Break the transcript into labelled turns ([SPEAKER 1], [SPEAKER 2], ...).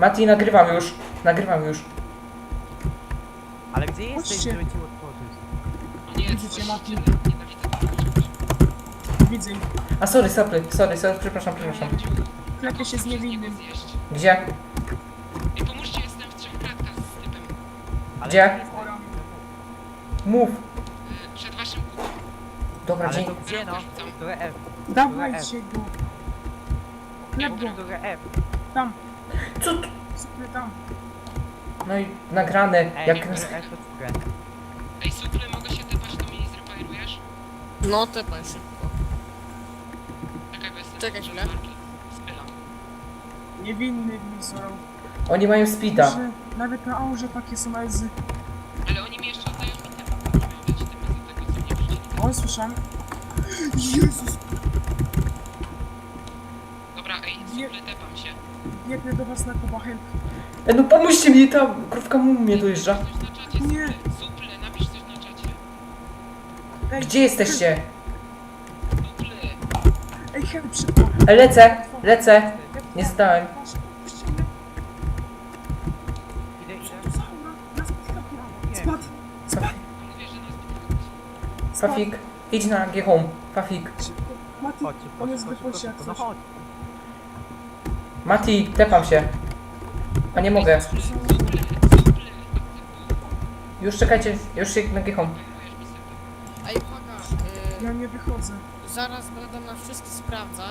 [SPEAKER 1] Mati, nagrywam już. Nagrywam już.
[SPEAKER 2] Ale gdzie jesteś,
[SPEAKER 3] Chodźcie.
[SPEAKER 2] żeby ci otworzyć?
[SPEAKER 4] Nie,
[SPEAKER 3] Widzicie, Mati? Widzę.
[SPEAKER 1] A sorry, przepraszam.
[SPEAKER 3] Klepie się z niewinnym.
[SPEAKER 1] Gdzie?
[SPEAKER 4] Ej, pomóżcie, jestem w 3 klatkach z typem.
[SPEAKER 2] Ale
[SPEAKER 1] Gdzie?
[SPEAKER 2] jesteś-
[SPEAKER 1] Mów.
[SPEAKER 4] Przed waszym kubem.
[SPEAKER 1] Dobra,
[SPEAKER 2] Ale
[SPEAKER 1] dzięki.
[SPEAKER 2] to gdzie no? Które F?
[SPEAKER 3] Dawajcie go. Klep go.
[SPEAKER 2] Które F?
[SPEAKER 3] Tam.
[SPEAKER 1] Co tu?
[SPEAKER 3] Super, tam.
[SPEAKER 1] No i nagrane.
[SPEAKER 2] Ej,
[SPEAKER 1] Jak...
[SPEAKER 2] niektóre F to które?
[SPEAKER 4] Ej, Suple, mogę się typać, to mi zrepairujesz?
[SPEAKER 5] No, tepaj szybko.
[SPEAKER 4] Czekaj, bo jestem
[SPEAKER 5] Czekaj
[SPEAKER 4] w
[SPEAKER 5] chwilę.
[SPEAKER 4] marki. Spylam.
[SPEAKER 3] Niewinny mi zorał.
[SPEAKER 1] Oni mają speeda.
[SPEAKER 3] Że nawet na aurze takie są ezy.
[SPEAKER 4] Ale oni mi jeszcze oddają mi typy. Nie miał dać typy za tego, co mnie wrzucili.
[SPEAKER 3] O, słyszałem. Jezus.
[SPEAKER 4] Dobra, ej, Suple, tepam się.
[SPEAKER 3] Biegnę do was na Kuba, help.
[SPEAKER 1] No pomóżcie mi, ta krówka mu mnie dojeżdża.
[SPEAKER 4] Coś na czacie,
[SPEAKER 3] Nie.
[SPEAKER 4] Suple, napisz coś na czacie.
[SPEAKER 3] Ej,
[SPEAKER 1] Gdzie jesteście?
[SPEAKER 4] Suple.
[SPEAKER 3] Ej, help, szybko.
[SPEAKER 1] Lecę. Nie zdałem.
[SPEAKER 2] Idę.
[SPEAKER 3] Zaura, nas podkapła. Spadł.
[SPEAKER 4] Mówię, że nas nie
[SPEAKER 1] Fafik, idź na G home. Fafik.
[SPEAKER 3] Szybko. Mati,
[SPEAKER 2] Chodź,
[SPEAKER 3] on jest w depocie jak
[SPEAKER 2] no
[SPEAKER 3] coś.
[SPEAKER 2] chodź.
[SPEAKER 1] Mati, tepam się. A nie mogę. Już czekajcie, już się na G home.
[SPEAKER 5] Ej, uwaga,
[SPEAKER 3] Ja nie wychodzę.
[SPEAKER 5] zaraz będę na wszystkich sprawdzać.